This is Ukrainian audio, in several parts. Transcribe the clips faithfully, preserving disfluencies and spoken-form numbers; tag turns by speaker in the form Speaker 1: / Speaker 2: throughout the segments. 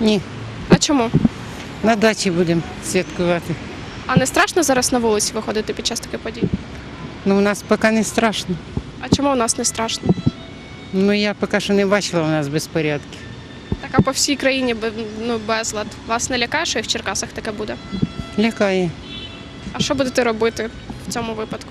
Speaker 1: Ні,
Speaker 2: А чому?
Speaker 1: на дачі будемо святкувати.
Speaker 2: А не страшно зараз на вулиці виходити під час таких подій?
Speaker 1: Ну, у нас поки не страшно.
Speaker 2: А чому у нас не страшно?
Speaker 1: Ну, я поки що не бачила у нас безпорядків.
Speaker 2: Так, а по всій країні бе- ну, безлад. Вас не лякає, що і в Черкасах таке буде?
Speaker 1: Лякає.
Speaker 2: А що будете робити в цьому випадку?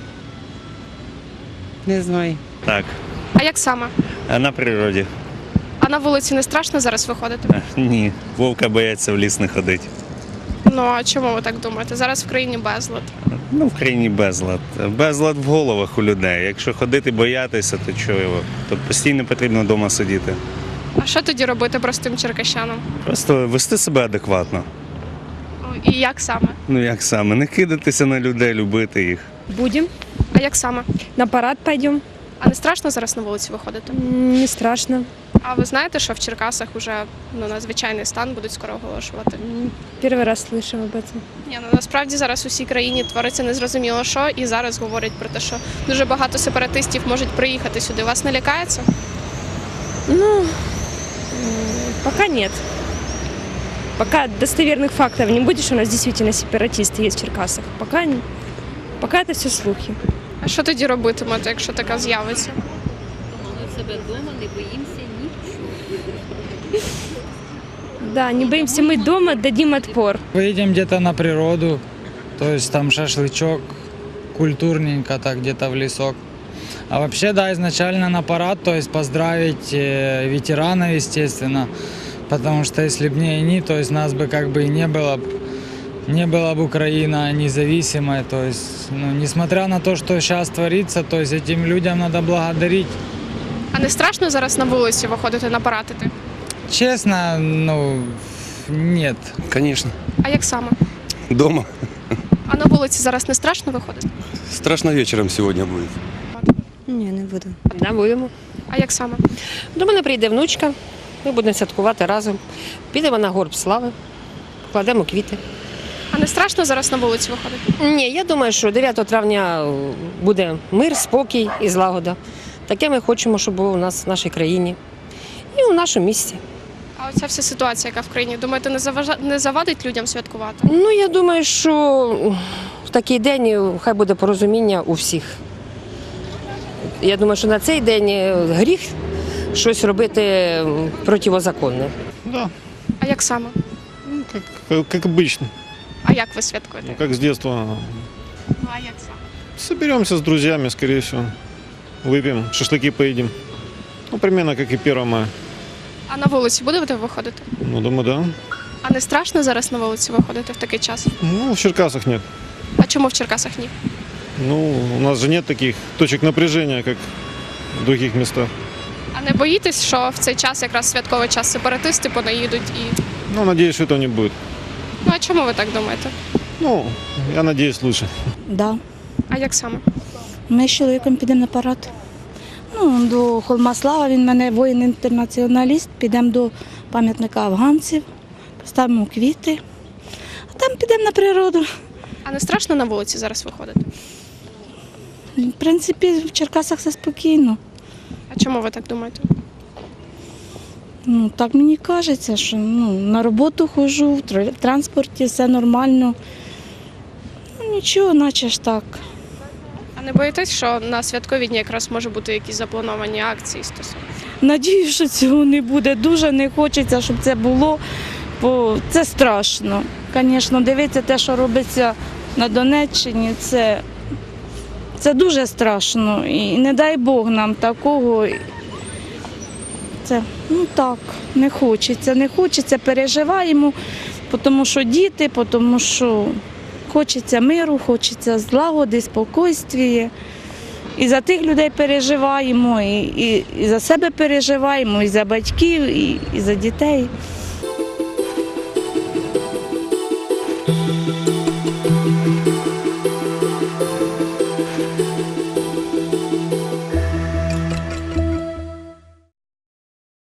Speaker 1: Не знаю.
Speaker 3: Так,
Speaker 2: А як саме?
Speaker 3: а на природі?
Speaker 2: А на вулиці не страшно зараз виходити?
Speaker 3: Ні, вовка бояться в ліс не ходити.
Speaker 2: Ну а чому ви так думаєте? Зараз в країні безлад.
Speaker 3: Ну, в країні безлад. Безлад в головах у людей. Якщо ходити боятися, то чого його? То постійно потрібно вдома сидіти.
Speaker 2: А що тоді робити простим черкащанам?
Speaker 3: Просто вести себе адекватно.
Speaker 2: Ну, І як саме?
Speaker 3: Ну як саме? Не кидатися на людей, любити їх.
Speaker 4: Будем.
Speaker 2: А як саме?
Speaker 4: На парад пойдем.
Speaker 2: А не страшно зараз на вулиці виходити?
Speaker 4: М, Не страшно.
Speaker 2: А ви знаєте, що в Черкасах вже ну, надзвичайний стан будуть скоро оголошувати?
Speaker 4: М, Первый раз слышим об этом.
Speaker 2: Ні, ну насправді зараз у всій країні твориться незрозуміло що, і зараз говорять про те, що дуже багато сепаратистів можуть приїхати сюди. Вас не лякає це?
Speaker 4: Ну, м, пока нет. Пока достоверных фактов не будет, что у нас действительно сепаратисты есть в Черкасах. Пока, не- пока это все слухи.
Speaker 2: А що тоді робитимете, якщо така з'явиться?
Speaker 5: Ми себе вдома не боїмося нічого.
Speaker 4: Да, не боимся мы дома, дадим отпор.
Speaker 6: Выйдем где-то на природу, то есть там шашлычок, культурненько так где-то в лесок. А вообще, да, изначально на парад, то есть поздравить э, ветеранов, естественно, потому что если бы не они, то есть нас бы как бы и не было, б- не была бы Украина независимой, то есть, ну, несмотря на то, что сейчас творится, то есть этим людям надо благодарить.
Speaker 2: А не страшно зараз на вулиці виходити на парад іти?
Speaker 6: Честно, ну, нет.
Speaker 7: Конечно.
Speaker 2: А як саме?
Speaker 7: Дома.
Speaker 2: А на вулиці зараз не страшно виходити?
Speaker 7: Страшно вечером сегодня будет.
Speaker 8: Ні, не буду.
Speaker 9: Да, будемо.
Speaker 2: А як саме?
Speaker 9: До мене прийде внучка, ми будемо святкувати разом. Підемо на горб слави, покладемо квіти.
Speaker 2: А не страшно зараз на вулиці виходити?
Speaker 9: Ні, я думаю, що дев'ятого травня буде мир, спокій і злагода. Таке ми хочемо, щоб було у нас в нашій країні і у нашому місті.
Speaker 2: А оця вся ситуація, яка в країні, думаєте, не заважа... не завадить людям святкувати?
Speaker 9: Ну, я думаю, що в такий день хай буде порозуміння у всіх. Я думаю, що на цей день гріх щось робити противозаконне.
Speaker 10: Да,
Speaker 2: А як саме?
Speaker 10: ну, как, как, как обычно,
Speaker 2: А як ви святкуєте?
Speaker 10: ну, как с детства.
Speaker 2: Ну, а як саме?
Speaker 10: Соберемся с друзьями, скорее всего, выпьем, шашлыки поедим. Ну, примерно как и первое мая.
Speaker 2: А на вулиці будете виходити?
Speaker 10: Ну, думаю, да.
Speaker 2: А не страшно зараз на вулиці виходити в такий час?
Speaker 10: Ну, в Черкасах нет.
Speaker 2: А чому в Черкасах ні?
Speaker 10: Ну, у нас же нет таких точек напряжения, как в других местах.
Speaker 2: А не боїтесь, що в цей час, якраз святковий час, сепаратисти понаїдуть і.
Speaker 10: Ну, надеюсь, что этого не будет.
Speaker 2: Ну а чому ви так думаєте?
Speaker 10: Ну, я надеюсь, лучше.
Speaker 8: Да.
Speaker 2: А як саме?
Speaker 8: Ми з чоловіком підемо на парад. Ну, до Холма Слава, він в мене воїн-інтернаціоналіст. Підемо до пам'ятника афганців, поставимо квіти, а там підемо на природу.
Speaker 2: А не страшно на вулиці зараз виходити?
Speaker 8: В принципі, в Черкасах все спокійно.
Speaker 2: А чому ви так думаєте?
Speaker 8: Ну, так мені кажеться, що ну, на роботу ходжу, в тр- транспорті все нормально. Ну, нічого, наче ж так.
Speaker 2: А не боїтесь, що на святкові дні якраз може бути якісь заплановані акції стосовно?
Speaker 8: Надію, що цього не буде. Дуже не хочеться, щоб це було, бо це страшно. Звісно, дивитися те, що робиться на Донеччині, це, це дуже страшно. І не дай Бог нам такого. Це, ну так, не хочеться, не хочеться, переживаємо, тому що діти, тому що хочеться миру, хочеться злагоди, спокійствія. І за тих людей переживаємо, і, і, і за себе переживаємо, і за батьків, і, і за дітей.